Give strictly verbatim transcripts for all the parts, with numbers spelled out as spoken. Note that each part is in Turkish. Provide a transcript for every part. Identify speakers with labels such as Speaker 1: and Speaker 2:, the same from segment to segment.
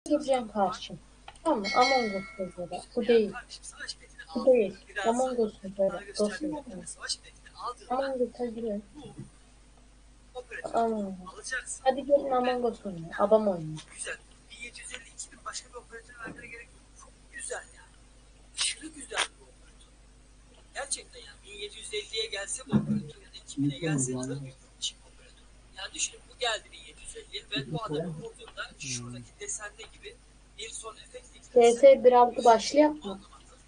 Speaker 1: gireceğim karşı. Tamam mı? Among Us server'a. Bu değil. Bu değil. Among Us server'a. Dostum. Among Us'a girelim. Among Us. Hadi gelin Among Us oynayalım. Adam oynuyor.
Speaker 2: Güzel. bin yedi yüz elli iki bin başka bir operatör vermene gerek yok. Çok güzel yani. Aşırı güzel bu operatör. Gerçekten yani bin yedi yüz elliye gelse bu operatör ya da iki bine gelse çok büyük bir çip operatör. Yani düşünün bu geldi bin yedi yüz elliye ve bu adamı vurduğunda şuradaki desende gibi bir son efekt
Speaker 1: T S bir altı başlayalım mı?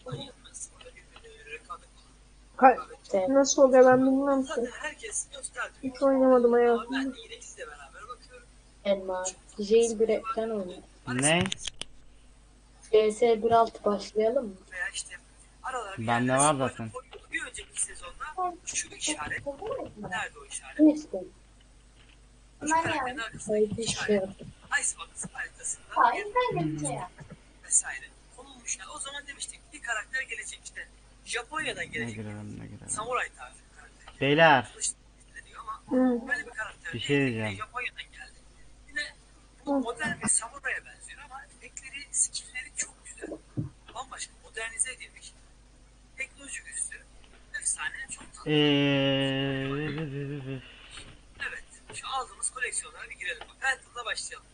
Speaker 3: Ka- Nasıl oluyor ben bilmiyorum ki.
Speaker 2: Herkes gösterdi.
Speaker 3: Hiç oynamadım hayatımda.
Speaker 2: Ben de yine sizle beraber bakıyorum.
Speaker 1: Elma. Jailbreak'ten oynuyor.
Speaker 4: Ne?
Speaker 1: T S bir altı başlayalım mı?
Speaker 2: Veya işte aralara bir
Speaker 4: Bende
Speaker 2: yerler
Speaker 4: var
Speaker 2: sıfırla
Speaker 4: zaten.
Speaker 2: koyuyordu. Bir önceki sezonda şu işaret. Nerede o işaret?
Speaker 1: Ne istedim?
Speaker 2: Şu karakterin arkasındaki
Speaker 1: Haydi
Speaker 2: işaret.
Speaker 1: şey.
Speaker 2: Icebox haritasında bir vesaire konulmuş. Yani o zaman demiştik bir karakter gelecek işte. Japonya'dan
Speaker 4: Ne
Speaker 2: gelecek.
Speaker 4: girelim ne girelim.
Speaker 2: Samuray tarzı bir karakter.
Speaker 4: Beyler.
Speaker 2: Kılıç deniyor ama
Speaker 3: Hı.
Speaker 2: böyle bir karakter
Speaker 4: Bir şey
Speaker 2: değil. Yine
Speaker 4: diyeceğim.
Speaker 2: Japonya'dan geldi. Yine bu modern bir samuraya benziyor ama efektleri, skillleri çok güzel. Bambaşka modernize edilmiş. Teknolojik üstü. Efsane çok tatlı.
Speaker 4: Eee
Speaker 2: Evet. Şu aldığımız koleksiyonlara bir girelim. Bak Phantom'la başlayalım.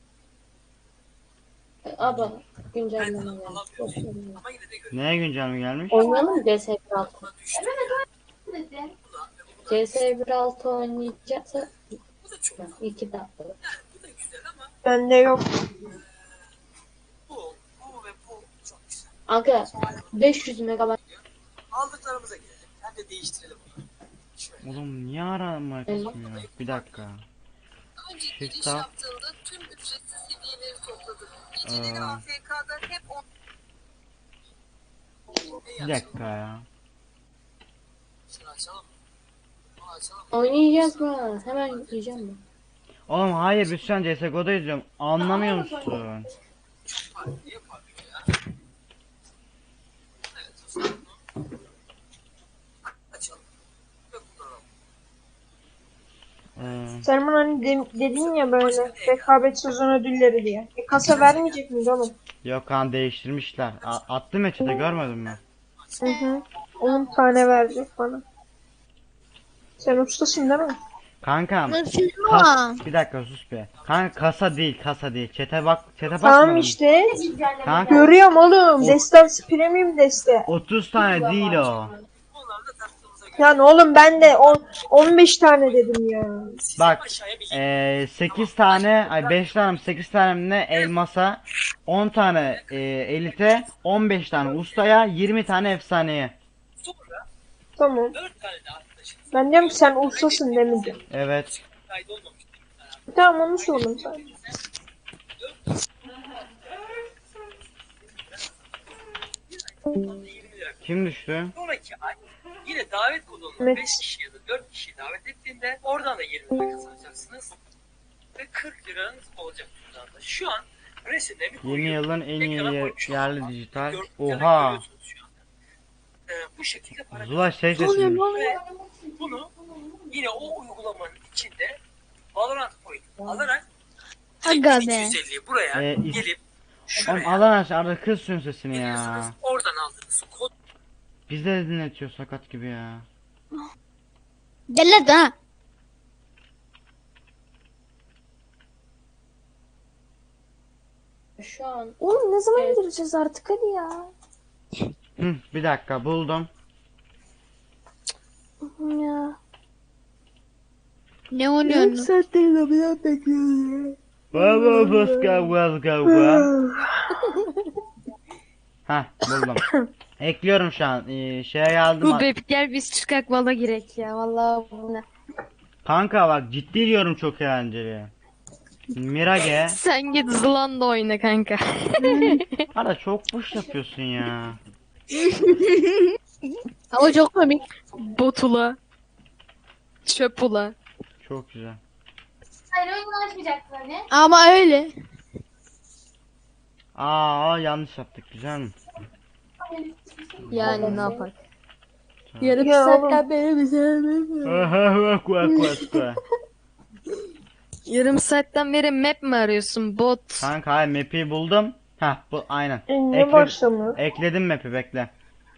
Speaker 1: Aba güncelleme
Speaker 2: Phantom'ı
Speaker 1: gelmiş.
Speaker 2: alamıyoruz.
Speaker 1: Başlayalım.
Speaker 2: Ama yine de görelim.
Speaker 4: Neye güncel gelmiş?
Speaker 1: Oynayalım mı C S bir altı?
Speaker 2: Buna düştü. Bu da, ve bu da,
Speaker 1: C S bir altı oynayacaksa
Speaker 2: bu da çok. Yani
Speaker 1: iki dakika.
Speaker 2: bu da güzel ama
Speaker 3: Bende yok.
Speaker 2: bu, bu ve bu çok güzel.
Speaker 1: Aga beş yüz megabayt.
Speaker 2: Aldıklarımıza gelelim. Hem de değiştirelim bunu. Şöyle.
Speaker 4: Oğlum niye arama kısmıyor? Bir dakika.
Speaker 5: Önce
Speaker 4: Shift
Speaker 5: giriş
Speaker 4: tab.
Speaker 5: yaptığında tüm ücretsiz hediyeleri topladık.
Speaker 4: Aa.
Speaker 5: Geceleri A F K'da hep on...
Speaker 4: Bir dakika ya.
Speaker 2: Şunu açalım. Bunu açalım.
Speaker 1: Oynayacağız mı? Hemen yükleyeceğim mi?
Speaker 4: Oğlum hayır biz şu an C S G O'da izliyorum. Anlamıyor musun?
Speaker 2: Farklı yapar ya. Evet. O zaman bunu açalım. Ve kullanalım.
Speaker 4: Ee,
Speaker 3: Selman hani de- dedin ya böyle rekabet sezon ödülleri diye. E, kasa vermeyecek miyiz oğlum?
Speaker 4: yok kan değiştirmişler. A- attım ya chat'e görmedin mi?
Speaker 3: Hı hı. on tane verecek bana. Sen ustasın değil mi?
Speaker 4: Kankam.
Speaker 6: Nasıl
Speaker 4: Kas, bir dakika sus be. Kanka kasa değil kasa değil. Chat'e bak chat'e
Speaker 3: Tamam
Speaker 4: bakmadın.
Speaker 3: işte.
Speaker 4: Kanka
Speaker 3: Görüyorum oğlum. Destansı premium deste.
Speaker 4: otuz tane değil o.
Speaker 2: Onlar da taktığımıza göre.
Speaker 3: Yani oğlum ben de on, on beş tane dedim ya.
Speaker 2: Siz
Speaker 4: Bak
Speaker 2: aşağıya bir
Speaker 4: eee sekiz tane ay beş tane sekiz tane ne elmasa, on tane eee, elite, on beş tane ustaya, yirmi tane efsaneye.
Speaker 2: sonra
Speaker 3: Tamam.
Speaker 2: dört tane de arkadaşımız
Speaker 3: Ben diyorum ki sen ustasın demedim.
Speaker 4: Evet.
Speaker 2: kaydolmamış.
Speaker 3: Tamam onu sordum sen.
Speaker 2: yirmi lira.
Speaker 4: Kim düştü?
Speaker 2: Sonraki ay yine davet kodunu
Speaker 3: Evet.
Speaker 2: beş kişi ya da dört kişi davet ettiğinde oradan da yirmi lira kazanacaksınız. Ve kırk liranız olacak cüzdanda. Şu an resimlerimi
Speaker 4: Yeni
Speaker 2: koyuyorum.
Speaker 4: yılın en iyi
Speaker 2: Ekrana
Speaker 4: yer-
Speaker 2: koymuşum.
Speaker 4: yerli dijital.
Speaker 2: Gör-
Speaker 4: Oha.
Speaker 2: görüyorsunuz şu anda. Ee, bu şekilde para
Speaker 4: Zula şey
Speaker 2: kazanıyorsunuz.
Speaker 4: seçmiş.
Speaker 2: Ve bunu yine o uygulamanın içinde Valorant Point alarak
Speaker 6: Aga be.
Speaker 2: iki yüz elliyi buraya
Speaker 4: Ee, is-
Speaker 2: gelip
Speaker 4: Oğlum
Speaker 2: şuraya
Speaker 4: Allah aşkına arada kız suyun sesini ya.
Speaker 2: geliyorsunuz. Oradan aldığınız kod
Speaker 4: Biz de dinletiyor sakat gibi ya.
Speaker 6: Deli de.
Speaker 1: Şu an
Speaker 3: Oğlum ne zaman
Speaker 1: Evet.
Speaker 3: gireceğiz artık hadi ya.
Speaker 4: Hı, bir dakika buldum.
Speaker 3: Ya.
Speaker 6: Ne oynuyorsun?
Speaker 3: saattir lobiden bekliyorum ya.
Speaker 4: Baba baska baska baska. Hah buldum. Ekliyorum şu an. Ee, şeye geldim.
Speaker 6: Bu bebek gel biz çıkak vala girek ya vallahi bu ne.
Speaker 4: Kanka bak ciddi diyorum çok eğlenceli. Mirage.
Speaker 6: Sen git Zlanda oyna kanka.
Speaker 4: Ara çok boş yapıyorsun ya.
Speaker 6: Ama çok komik. Botula. Çöpula.
Speaker 4: Çok güzel.
Speaker 7: Hayır oyunu açmayacaksın hani.
Speaker 6: Ama öyle.
Speaker 4: Aa yanlış yaptık güzel mi?
Speaker 6: Yani ne yapar?
Speaker 4: Tamam.
Speaker 6: Yarım
Speaker 3: Ya
Speaker 6: saatten
Speaker 3: oğlum.
Speaker 6: beri bize.
Speaker 4: Aha bak bak bak bak.
Speaker 6: Yarım saatten beri map mi arıyorsun bot?
Speaker 4: Kanka hayır map'i buldum. Heh bu aynen.
Speaker 3: E, niye
Speaker 4: Ekle-
Speaker 3: başlamıyor?
Speaker 4: ekledim map'i bekle.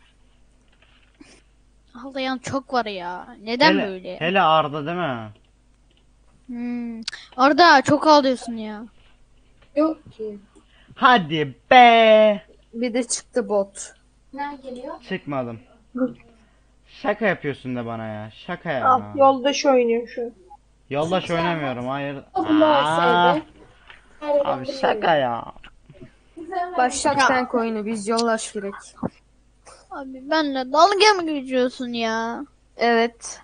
Speaker 8: Ağlayan çok var ya. Neden
Speaker 4: hele,
Speaker 8: böyle?
Speaker 4: hele Arda değil mi?
Speaker 8: Hmm. Arda çok ağlıyorsun ya.
Speaker 1: Yok ki.
Speaker 4: Hadi be.
Speaker 3: Bir de çıktı bot.
Speaker 7: Ne geliyor?
Speaker 4: Çıkmadım. Şaka yapıyorsun da bana ya. Şaka ya.
Speaker 3: Al yoldaş oynuyor şu.
Speaker 4: Yoldaş oynamıyorum hayır.
Speaker 1: Bunlar
Speaker 4: Aa,
Speaker 1: sevdi. Her
Speaker 4: abi şaka ya.
Speaker 3: Başlat sen oyunu biz yoldaş gerek.
Speaker 8: Abi benle dalga mı geçiyorsun ya?
Speaker 3: Evet.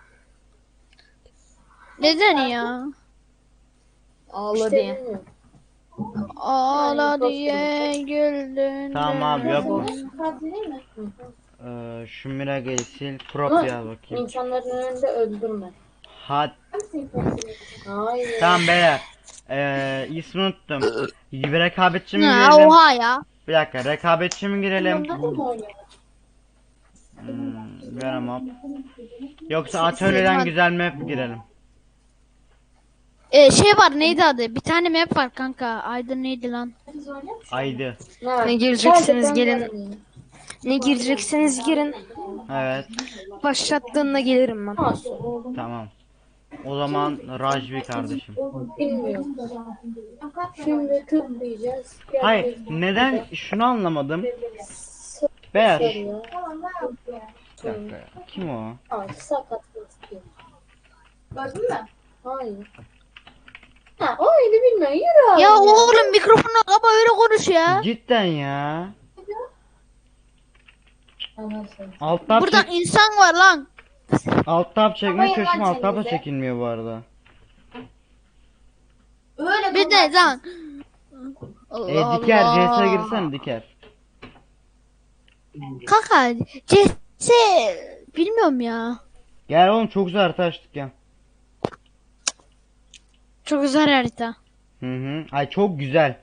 Speaker 8: Neden ya?
Speaker 3: Ağla diye.
Speaker 1: bilmiyorum.
Speaker 8: Ağla diye güldün.
Speaker 4: Tamam abi yok mu?
Speaker 7: Kaldı değil mi?
Speaker 4: Ee, şu Miraga'yı sil. Crop
Speaker 1: Ama
Speaker 4: yaz bakayım.
Speaker 1: insanların önünde öldürme.
Speaker 4: Hadi.
Speaker 1: Hayır.
Speaker 4: Tamam beyler. Ee, ismi unuttum. Bir rekabetçi mi
Speaker 8: Ha,
Speaker 4: girelim?
Speaker 8: oha ya.
Speaker 4: Bir dakika rekabetçi mi girelim?
Speaker 1: Bunlar da mı oynuyor?
Speaker 4: Hmm, Venomop. Yoksa atölyeden güzel map girelim.
Speaker 8: Ee, şey var neydi adı? Bir tane map var kanka. Aydın neydi lan?
Speaker 4: Aydı.
Speaker 3: Ne gireceksiniz
Speaker 1: Sadece
Speaker 3: gelin.
Speaker 1: ben varım
Speaker 3: Ne gireceksiniz girin.
Speaker 4: Evet.
Speaker 3: Başlattığında gelirim ben.
Speaker 1: ya. Nasıl?
Speaker 4: Tamam. O zaman Rajvi kardeşim.
Speaker 1: Bilmiyorum. Şimdi tıklayacağız.
Speaker 4: Hayır, neden şunu anlamadım. Beyaz. Bir
Speaker 1: Sarıyor.
Speaker 4: dakika ya. Kim o?
Speaker 1: Ay sakat gözüküyor.
Speaker 7: Gördün mü?
Speaker 1: Hayır. Ha o oyunu bilmiyor. Yürü abi.
Speaker 8: Ya oğlum mikrofonu kapa öyle konuş ya.
Speaker 4: Cidden ya. Alt tab
Speaker 8: Burada
Speaker 4: çek,
Speaker 8: insan var lan.
Speaker 4: alt tab çekmeye
Speaker 7: Kapayın
Speaker 4: çalışıyorum.
Speaker 7: lan
Speaker 4: Alt tab da
Speaker 7: çenenizi.
Speaker 4: çekilmiyor bu arada.
Speaker 7: Öyle
Speaker 8: Bir de lan.
Speaker 4: E diker C S'ye girsene diker.
Speaker 8: Kanka C S bilmiyorum ya.
Speaker 4: Gel oğlum çok güzel harita açtık ya.
Speaker 8: Çok güzel harita.
Speaker 4: Hı hı. Ay çok güzel.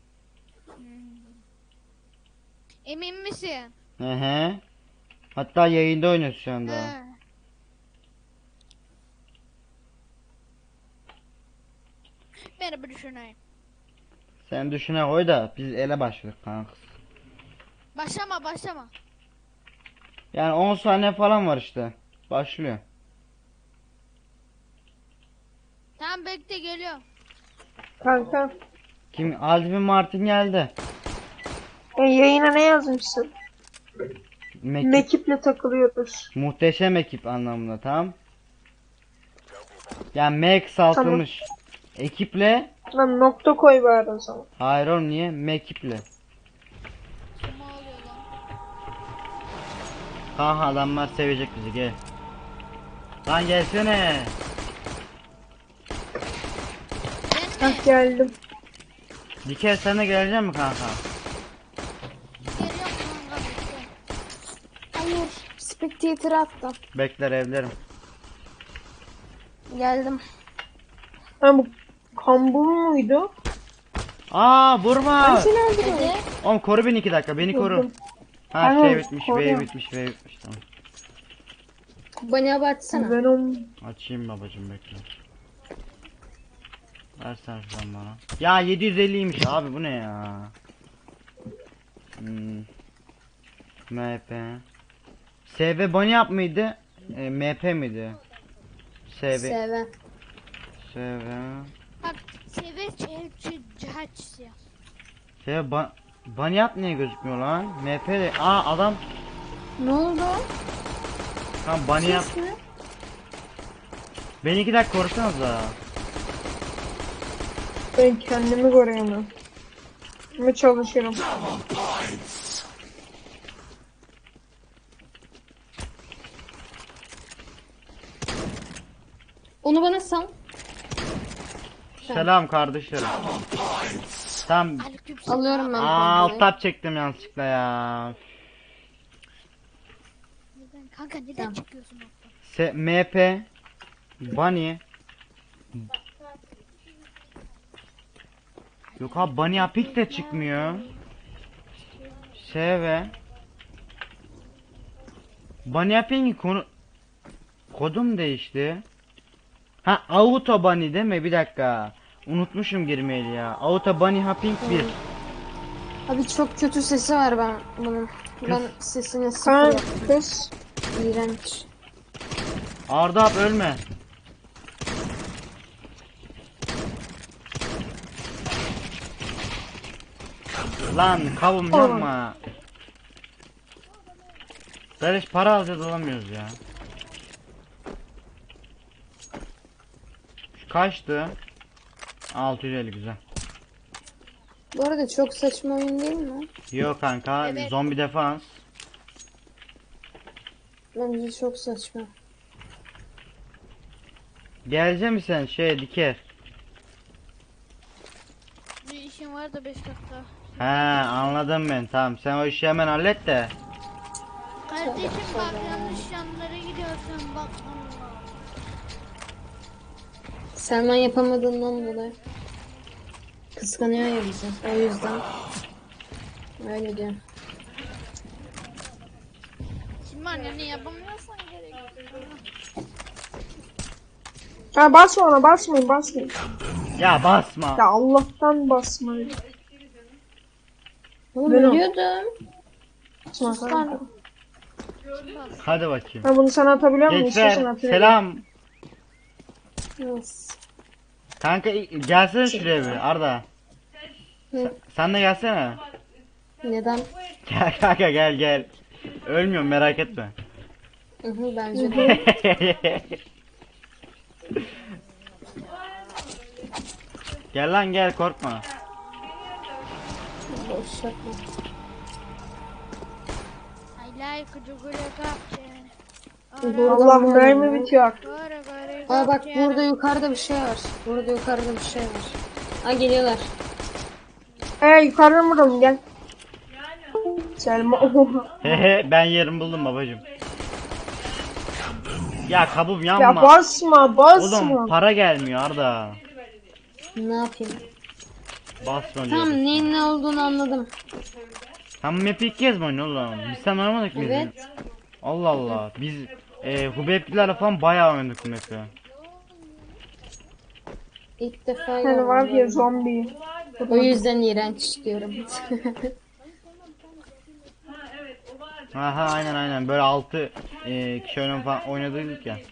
Speaker 8: Emin misin?
Speaker 4: Hı hı. Hatta yayında oynuyoruz şu anda.
Speaker 8: He. Merhaba düşüneyim.
Speaker 4: Sen düşüne koy da biz ele başladık kanka.
Speaker 8: Başlama başlama.
Speaker 4: Yani on saniye falan var işte. Başlıyor.
Speaker 8: Tamam bekle geliyor.
Speaker 3: Kanka.
Speaker 4: Kim? Alvin Martin geldi.
Speaker 3: E, yayına ne yazmışsın?
Speaker 4: Mekip,
Speaker 3: Mekiple takılıyoruz.
Speaker 4: muhteşem ekip anlamında tamam. Yani M kısaltılmış. Ekiple.
Speaker 3: Lan nokta koy bari o zaman.
Speaker 4: Hayır oğlum niye? Mekiple.
Speaker 8: Kim ağlıyor lan?
Speaker 4: Kanka adamlar sevecek bizi gel. Lan gelsene.
Speaker 8: Ben mi?
Speaker 3: Hah geldim.
Speaker 4: Diker sen de gelecek mi kanka?
Speaker 8: Geliyorum kanka bekle.
Speaker 3: Hayır. Spectator attım.
Speaker 4: Bekler evlerim.
Speaker 3: Geldim. Ha bu kambur muydu?
Speaker 4: Aa vurma.
Speaker 3: Seni öldürdüm.
Speaker 4: Oğlum koru beni iki dakika beni koru.
Speaker 3: Vurdum.
Speaker 4: Ha
Speaker 3: Tamam,
Speaker 4: şey bitmiş, V
Speaker 3: koruyorum.
Speaker 4: bitmiş, V bitmiş tamam.
Speaker 1: Bana baksana.
Speaker 3: Venom.
Speaker 4: Açayım babacım bekle. Versen şuradan bana. Ya yedi yüz elliymiş abi bu ne ya? Hmm. M P. S V bunny yap mıydı? E, M P miydi? S V.
Speaker 1: Seven.
Speaker 4: S V.
Speaker 8: Bak seve çelçi cihaç ya.
Speaker 4: S V ba bunny yap niye gözükmüyor lan? M P de. Aa adam.
Speaker 1: Ne oldu?
Speaker 4: Tamam bunny yap. Beni iki dakika korusanız da.
Speaker 3: Ben kendimi koruyamam. Ama çalışırım.
Speaker 1: Onu bana sal.
Speaker 4: Selam kardeşlerim. Tamam.
Speaker 8: Aleykümselam.
Speaker 1: Alıyorum ben.
Speaker 4: Aa alt tab çektim yanlışlıkla ya.
Speaker 8: Neden? Kanka neden çıkıyorsun orada?
Speaker 4: S M P Bunny. Yok abi Bunny Apik de çıkmıyor. S V Bunny Apik'in konu kodum değişti. Ha Auto Bunny değil mi? Bir dakika. Unutmuşum girmeyi ya. Auto Bunny Hopping bir.
Speaker 6: Abi çok kötü sesi var ben bunun. Ben
Speaker 4: Kız.
Speaker 6: sesini sıfır
Speaker 3: Kaan
Speaker 6: yaptım.
Speaker 3: kız.
Speaker 6: İğrenç.
Speaker 4: Arda abi ölme. Lan kavum yapma. Böyle hiç para alacağız alamıyoruz ya. Şu kaçtı? altı yüz elli güzel.
Speaker 6: Bu arada çok saçma oyun değil mi?
Speaker 4: Yok kanka
Speaker 8: Evet.
Speaker 4: zombi defans.
Speaker 6: Bence çok saçma.
Speaker 4: Gelecek misin sen şey diker?
Speaker 8: Bir işim var da beş dakika.
Speaker 4: He anladım ben tamam sen o işi hemen hallet de.
Speaker 8: Kardeşim bak yanlış yanlara gidiyorsun bak Allah.
Speaker 6: Selman yapamadığından dolayı. Kıskanıyor ya bizi. O yüzden. Öyle diyor.
Speaker 8: Şimdi anneni yapamıyorsan gerek yok.
Speaker 3: Ha basma ona basmayın basmayın.
Speaker 4: Ya basma.
Speaker 3: Ya Allah'tan basmayın.
Speaker 6: Oğlum
Speaker 3: Ben o-
Speaker 6: ölüyordum.
Speaker 3: Basma
Speaker 6: Sus
Speaker 3: kanka.
Speaker 6: lan.
Speaker 4: Hadi bakayım.
Speaker 3: Ha bunu sana atabiliyor muyum?
Speaker 4: Gençler
Speaker 3: İstiyorsan atayım.
Speaker 4: selam.
Speaker 6: Yes.
Speaker 4: Kanka i- gelsene şuraya bir Arda.
Speaker 6: Hı.
Speaker 4: Sen de gelsene.
Speaker 6: Neden?
Speaker 4: Gel kanka gel gel. Ölmüyorum merak etme.
Speaker 6: Hı hı, bence de.
Speaker 4: Gel lan gel korkma.
Speaker 6: Boş yapma.
Speaker 8: I like cugugulu kapçe.
Speaker 3: Allah mermi bitiyor.
Speaker 6: Aa bak burada yukarıda bir şey var. Burada yukarıda bir şey var. Aa geliyorlar.
Speaker 3: Ee yukarıdan vuralım gel. Selma.
Speaker 4: Hehe ben yerimi buldum babacım. Ya kabum yanma.
Speaker 3: Ya basma basma.
Speaker 4: Oğlum para gelmiyor Arda.
Speaker 6: Ne yapayım?
Speaker 4: Basma
Speaker 6: Tamam
Speaker 4: diyorum.
Speaker 6: neyin ne olduğunu anladım.
Speaker 4: Tam map'i ilk kez mi oynuyor oğlum? Biz sen oynamadık mıyız?
Speaker 6: Evet.
Speaker 4: Allah Allah. Biz e, Hubeyp'lilerle falan bayağı oynadık bu map'i.
Speaker 6: İlk defa
Speaker 3: Hani var ya
Speaker 6: görüyorum.
Speaker 3: zombi.
Speaker 6: O yüzden iğrenç diyorum.
Speaker 4: Aha aynen aynen böyle altı e, kişi oynadık falan oynadık ya.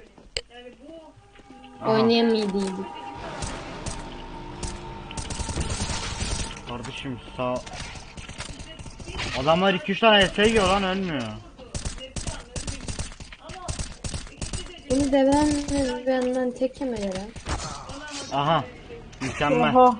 Speaker 4: Aha,
Speaker 6: Oynayamadıydık.
Speaker 4: kardeşim sağ. Adamlar iki üç tane S yiyor lan ölmüyor.
Speaker 6: Bunu deven benden tek yemeleri.
Speaker 4: Aha. Mükemmel.
Speaker 3: Oha.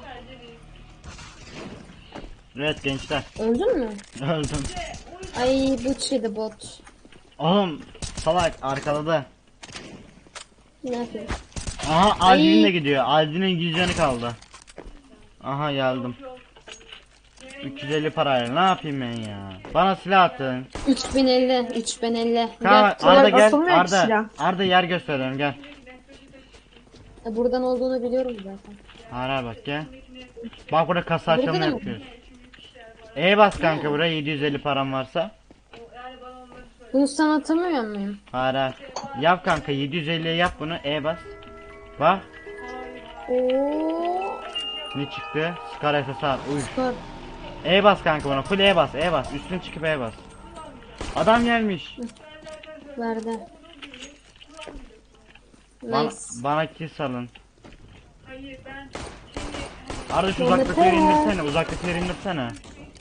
Speaker 4: Evet gençler.
Speaker 6: Öldün mü?
Speaker 4: Öldüm.
Speaker 6: Ay bu çiğdi bot.
Speaker 4: Oğlum salak arkaladı.
Speaker 6: Ne yapayım?
Speaker 4: Aha
Speaker 6: Ay.
Speaker 4: Aldin'in de gidiyor. Aldin'in yüz canı kaldı. Aha geldim. üç yüz elli parayla ne yapayım ben ya? Bana silah atın.
Speaker 6: üç bin elli. üç bin elli.
Speaker 4: Tamam
Speaker 6: Gel.
Speaker 4: Arda
Speaker 3: Silah
Speaker 4: gel.
Speaker 3: atılmıyor ki
Speaker 4: Arda.
Speaker 3: silah.
Speaker 4: Arda yer gösterelim gel.
Speaker 6: E, buradan olduğunu biliyorum zaten.
Speaker 4: Ara bak gel. Bak burada kasa
Speaker 6: Burada
Speaker 4: açılımı
Speaker 6: da mı?
Speaker 4: yapıyoruz. E bas kanka buraya yedi yüz elli param varsa.
Speaker 6: Bunu sana atamıyor muyum?
Speaker 4: Ara. Yap kanka yedi yüz elliye yap bunu E bas. Bak
Speaker 6: Oo.
Speaker 4: ne çıktı? Scar S S R. Uy.
Speaker 6: Skor.
Speaker 4: E bas kanka buna. Full E bas. E bas. Üstüne çıkıp E bas. Adam gelmiş.
Speaker 6: Verdi.
Speaker 4: Bana,
Speaker 6: Nice.
Speaker 4: bana kill salın. Arda şu
Speaker 6: Mehmet
Speaker 4: uzaktakileri
Speaker 6: ya.
Speaker 4: indirsene. Uzaktakileri indirsene.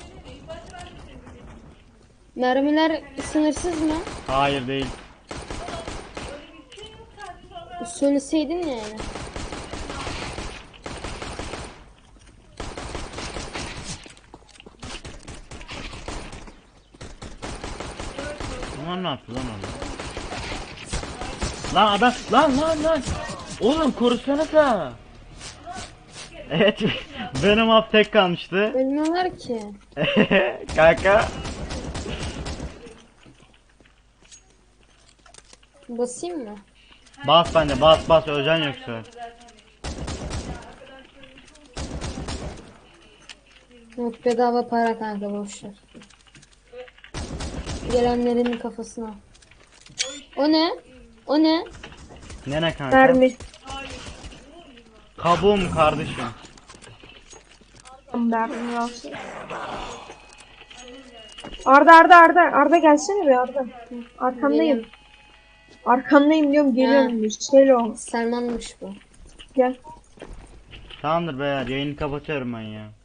Speaker 6: Mermiler sınırsız mı?
Speaker 4: Hayır değil.
Speaker 6: Söyleseydin ya yani.
Speaker 4: Bunlar ne yaptı lan orada? Lan adam lan lan lan. Oğlum korusanıza. Evet benim up tek kalmıştı.
Speaker 6: Ölmüyorlar ki.
Speaker 4: Kanka.
Speaker 6: Basayım mı?
Speaker 4: Bas bence bas bas öleceksin yoksa.
Speaker 6: Yok bedava para kanka boşver. Gelenlerin kafasına. O ne? O ne?
Speaker 4: Nene kanka.
Speaker 3: Mermi.
Speaker 4: Kabuğum kardeşim.
Speaker 3: Derdini alsın. Arda Arda Arda Arda gelsene be Arda. Arkandayım.
Speaker 6: Geliyorum.
Speaker 3: Arkandayım diyorum geliyorum. Müstelo.
Speaker 6: Selman'mış bu.
Speaker 3: Gel.
Speaker 4: Tamamdır beyler, yayını kapatıyorum ben ya.